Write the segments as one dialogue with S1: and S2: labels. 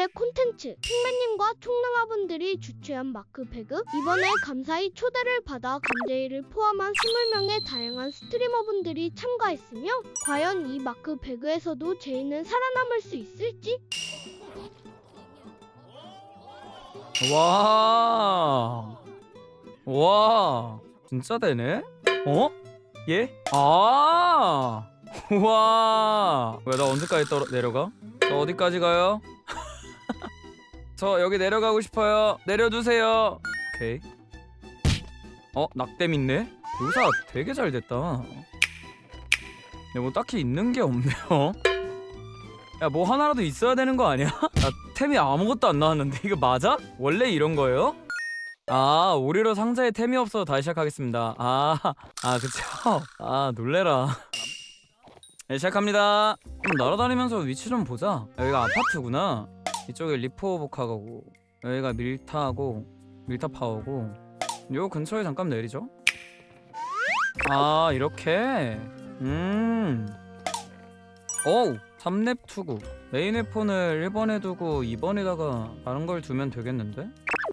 S1: 오늘의 콘텐츠, 핑맨님과 총능아분들이 주최한 마크배그. 이번에 감사히 초대를 받아 감제이를 포함한 20명의 다양한 스트리머분들이 참가했으며 과연 이 마크배그에서도 제이는 살아남을 수 있을지?
S2: 와 진짜 되네? 어? 예? 아 와 왜 나 언제까지 내려가? 저 어디까지 가요? 저 여기 내려가고 싶어요. 내려주세요. 오케이. 낙댐 있네? 묘사 되게 잘 됐다. 근데 뭐 딱히 있는 게 없네요. 야 뭐 하나라도 있어야 되는 거 아니야? 나 템이 아무것도 안 나왔는데 이거 맞아? 원래 이런 거예요? 아 오리로 상자에 템이 없어서 다시 시작하겠습니다. 그쵸? 놀래라. 네, 시작합니다. 그럼 날아다니면서 위치 좀 보자. 여기가 아파트구나. 이쪽에 리포보카고 여기가 밀타 파워고 요 근처에 잠깐 내리죠. 이렇게 어우 3렙 투구. 메인 웨폰을 1번에 두고 2번에다가 다른 걸 두면 되겠는데?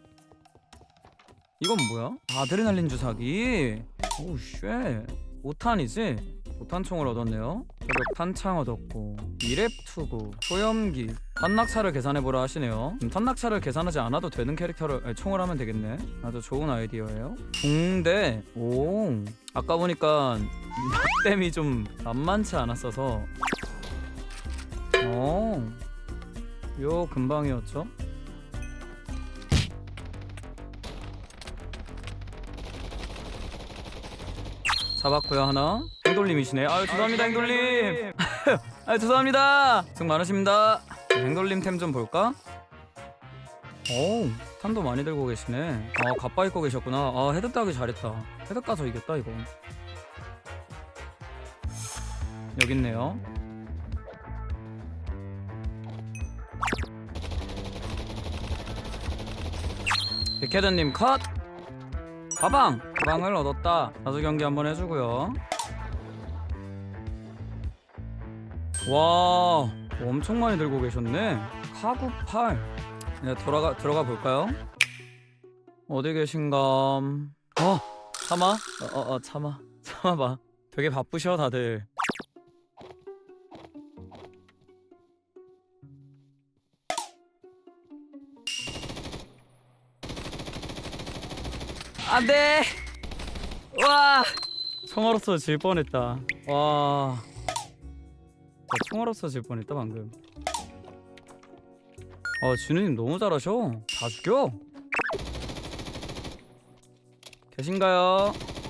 S2: 이건 뭐야? 아드레날린 주사기. 오우 쉣. 5탄이지? 5탄총을 얻었네요. 저격 탄창 얻었고 2렙 투구, 소염기, 탄낙차를 계산해보라 하시네요. 탄낙차를 계산하지 않아도 되는 총을 하면 되겠네. 아주 좋은 아이디어예요. 붕대. 오 아까 보니까 낙댐이 좀 만만치 않았어서 요 근방이었죠? 잡았고요 하나. 행돌님이시네. 죄송합니다 행돌님. 죄송합니다. 수고 많으십니다. 행돌님 템 좀 볼까? 탄도 많이 들고 계시네. 갑바 입고 계셨구나. 헤드 따기 잘했다. 헤드 까서 이겼다 이거. 여기 있네요. 백헤드님 컷! 가방을 얻었다. 다수 경기 한번 해주고요. 와 엄청 많이 들고 계셨네. 카구 8. 네, 들어가 볼까요? 어디 계신감? 참아? 참아봐. 되게 바쁘셔 다들. 안돼. 와 총알없어 질 뻔했다. 와 총알없어 질 뻔했다 방금. 진우님 너무 잘하셔. 다 죽여. 계신가요?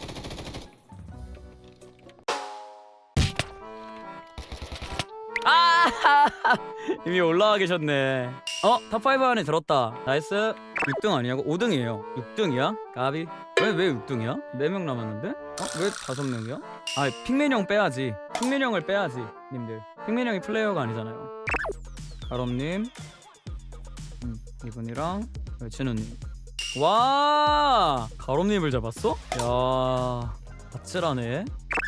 S2: 이미 올라와 계셨네. 탑5 안에 들었다. 나이스. 6등 아니냐고? 5등이에요 6등이야? 까비. 왜 6등이야? 4명 남았는데? 왜 5명이야? 핑맨 형 빼야지. 핑맨 형을 빼야지 님들. 핑맨 형이 플레이어가 아니잖아요. 가롬님 이분이랑 진우님. 와 가롬님을 잡았어? 야 아찔하네.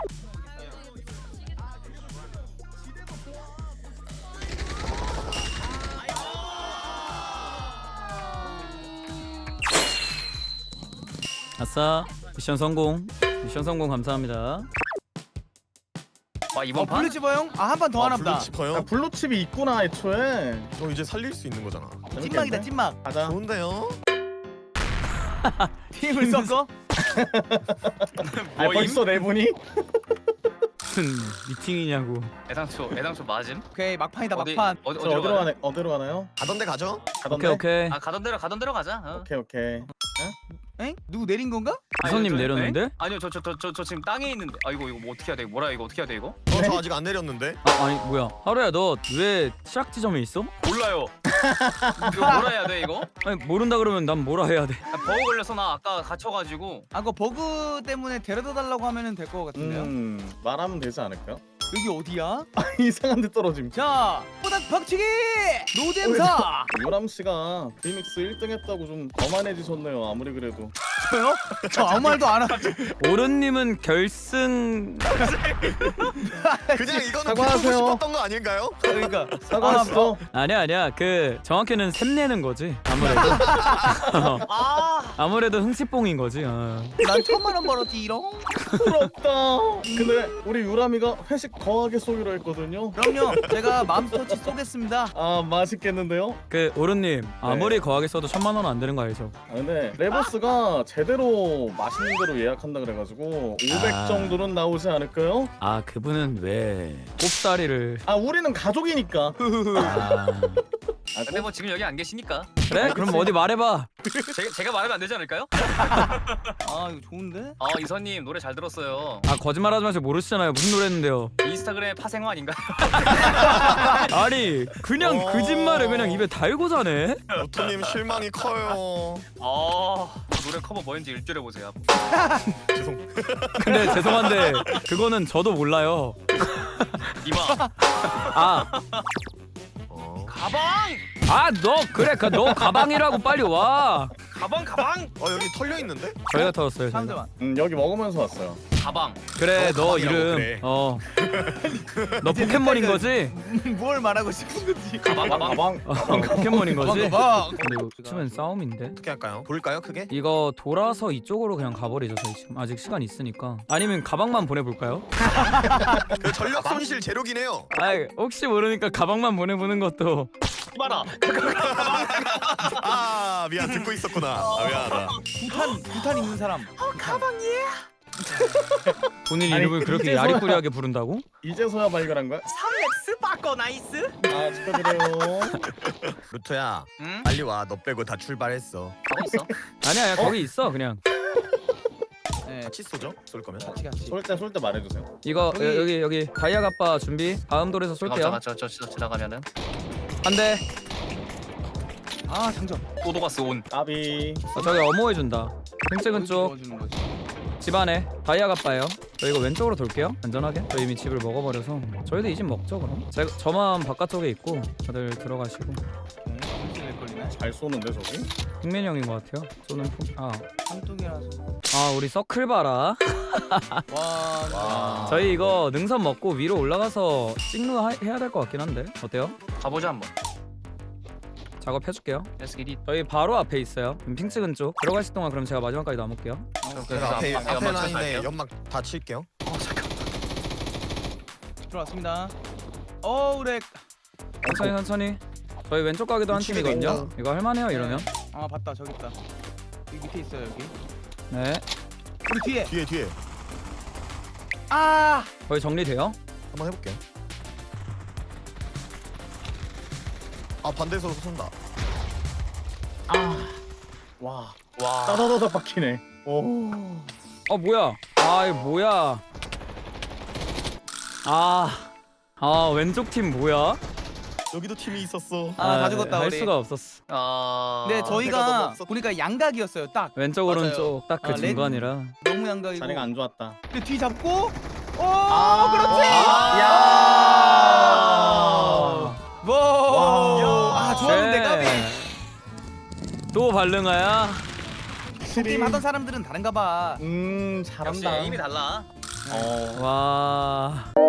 S2: 아싸 미션 성공. 감사합니다.
S3: 이번 판?
S4: 블루치버 형? 한 판 더 하나 보다.
S5: 블루치퍼요?
S6: 블루칩이 있구나 애초에.
S5: 이제 살릴 수 있는 거잖아.
S4: 찐막이다 찐막.
S6: 가자.
S5: 좋은데요?
S4: 팀을 섞어?
S6: 벌써 네 분이?
S2: 무슨 미팅이냐고.
S3: 애당초 맞음?
S4: 오케이 막판이다 막판.
S6: 어디로 가나요?
S5: 가던 데 가죠?
S6: 가던데?
S2: 오케이.
S3: 가던 대로 가자.
S6: 오케이.
S4: 엥? 누구 내린 건가?
S2: 이선님 내렸는데?
S3: 아니요 저 지금 땅에 있는데. 이거 뭐 어떻게 해야 돼? 이거 어떻게 해야 돼 이거?
S5: 저 아직 안 내렸는데.
S2: 아니 뭐야 하루야 너 왜 시작 지점에 있어?
S3: 몰라요. 이거 뭐라 해야 돼 이거?
S2: 아니 모른다 그러면 난 뭐라 해야 돼?
S3: 버그 걸려서 나 아까 갇혀가지고.
S4: 그거 버그 때문에 데려다 달라고 하면은 될 것 같은데요?
S6: 말하면 되지 않을까요?
S4: 여기 어디야?
S6: 이상한 데 떨어짐.
S4: 자, 뽀닥 박치기 노잼사.
S6: 요람 씨가 리믹스 1등 했다고 좀 거만해지셨네요. 아무리 그래도.
S4: 저요? 저 아무 말도 안 하죠.
S2: 오른님은 결승
S5: 그냥 이거는
S6: 사과하세요.
S5: 비꼬고 싶었던 거 아닌가요?
S4: 그러니까
S6: 사과하시죠.
S2: 아니야 그 정확히는 샘내는 거지 아무래도. 아무래도 흥치뽕인 거지.
S4: 난 1000만 원 벌었지 이런.
S6: 부럽다. 근데 우리 유람이가 회식 거하게 쏘기로 했거든요.
S4: 그럼요. 제가 맘스터치 쏘겠습니다.
S6: 아 맛있겠는데요?
S2: 그 오른님 아무리 거하게 써도 1000만 원은 안 되는 거 알죠?
S6: 아, 근데 레버스가 제대로 맛있는 대로 예약한다 그래가지고 500
S2: 아.
S6: 정도는 나오지 않을까요?
S2: 아 그분은 왜 꼽다리를
S6: 아 우리는 가족이니까.
S2: 아,
S3: 근데 뭐 지금 여기 안 계시니까
S2: 그래? 그럼 어디 말해봐.
S3: 제가 말하면 안 되지 않을까요?
S4: 아 이거 좋은데?
S3: 이선님 노래 잘 들었어요.
S2: 아 거짓말하지 마시고 모르시잖아요. 무슨 노래 했는데요?
S3: 인스타그램 파생어 아닌가요?
S2: 아니 그냥 거짓말을 그냥 입에 달고 자네.
S5: 루토님 실망이 커요.
S3: 노래 커버 뭐였는지 일주일에 보세요.
S5: 죄송.
S2: 근데 죄송한데 그거는 저도 몰라요.
S3: 이마
S2: 아
S3: 가방
S2: 너 그래 너 가방이라고 빨리 와.
S3: 가방
S5: 여기 털려 있는데?
S2: 저희가 털었어요. 저희가.
S4: 잠깐만.
S6: 여기 먹으면서 왔어요.
S3: 가방.
S2: 그래 너
S5: 가방이라고
S2: 이름
S5: 그래.
S2: 너 포켓몬인 거지?
S4: 뭘 말하고 싶은 건지.
S3: 가방.
S6: 가방.
S2: 포켓몬인 거지?
S4: 가방.
S2: 근데 이거 치면 싸움인데?
S5: 어떻게 할까요? 볼까요 크게?
S2: 이거 돌아서 이쪽으로 그냥 가버리죠. 저희 지금 아직 시간 있으니까. 아니면 가방만 보내볼까요?
S5: 그 전력 손실 제로긴 해요.
S2: 아이 혹시 모르니까 가방만 보내보는 것도.
S3: 이봐라.
S5: 아 미안 듣고 있었구나. 미안하다.
S4: 부탄 있는 사람.
S2: 본인
S6: 아니,
S2: 이름을 그렇게
S6: 이제서야-
S2: 야리꾸리하게 부른다고?
S6: 이제서야 발견한 거야?
S3: 3렉스 바꿔 나이스.
S6: 아 축하드려요.
S5: 루토야
S3: 응?
S5: 빨리 와. 너 빼고 다 출발했어.
S3: 가고 있어.
S2: 아니야 거기 있어 그냥.
S4: 네.
S5: 같이 쏘죠? 쏠 거면.
S4: 같이.
S6: 쏠 때 말해주세요.
S2: 이거
S4: 여기-
S2: 여기 다이아 갑바 준비. 다음 돌에서 쏠게요.
S3: 저 지나가면은
S2: 한 대.
S4: 아 장전.
S3: 오도가스 온.
S6: 까비.
S2: 저기 어모해준다. 핑찍은 쪽
S4: 넣어주는 거지.
S2: 집안에 다이아 갑바예요. 저 이거 왼쪽으로 돌게요. 안전하게. 저 이미 집을 먹어버려서 저희도 이 집 먹죠 그럼. 저만 바깥쪽에 있고 다들 들어가시고.
S4: 될 걸리네.
S6: 잘 쏘는데 저기?
S2: 핑맨 형인 것 같아요. 쏘는
S4: 삼뚝이라서.
S2: 우리 서클 봐라.
S4: 와.
S2: 저희 이거 능선 먹고 위로 올라가서 찍루 해야 될 것 같긴 한데 어때요?
S3: 가보자 한번.
S2: 작업해줄게요.
S3: Let's get it.
S2: 저희 바로 앞에 있어요. 핑 찍은 쪽 들어가 있을 동안 그럼 제가 마지막까지 남을게요.
S5: 제가 앞에
S3: 연막
S5: 라인에
S3: 쳐갈게요.
S5: 연막 다 칠게요.
S4: 들어왔습니다. 우렉.
S2: 천천히. 저희 왼쪽 가기도 한
S5: 우측에
S2: 팀이거든요.
S5: 있다.
S2: 이거 할만해요 이러면.
S4: 아 봤다 저기 있다. 여기 밑에 있어요 여기.
S2: 네.
S4: 우리 뒤에.
S5: 뒤에
S4: 아.
S2: 거의 정리돼요.
S5: 한번 해볼게요. 아 반대에서 쏜다.
S6: 와.
S3: 와.
S6: 따다다다 박히네. 오.
S2: 뭐야? 이거 뭐야? 왼쪽 팀 뭐야?
S5: 여기도 팀이 있었어.
S4: 다 죽었다
S2: 할
S4: 우리.
S2: 수가 없었어.
S4: 네
S5: 내가
S4: 저희가
S5: 너무 없었다.
S4: 보니까 양각이었어요 딱.
S2: 왼쪽
S4: 맞아요.
S2: 오른쪽 딱 그
S4: 레드-
S2: 중간이라.
S4: 너무 양각이고.
S6: 자리가 안 좋았다.
S4: 근데 뒤 잡고.
S6: 그렇지. 야.
S4: 와. 좋았는데 까비.
S2: 또 발릉아야.
S4: 게임 하던 사람들은 다른가 봐.
S3: 역시
S6: 잘한다.
S3: 에임이 달라.
S2: 와.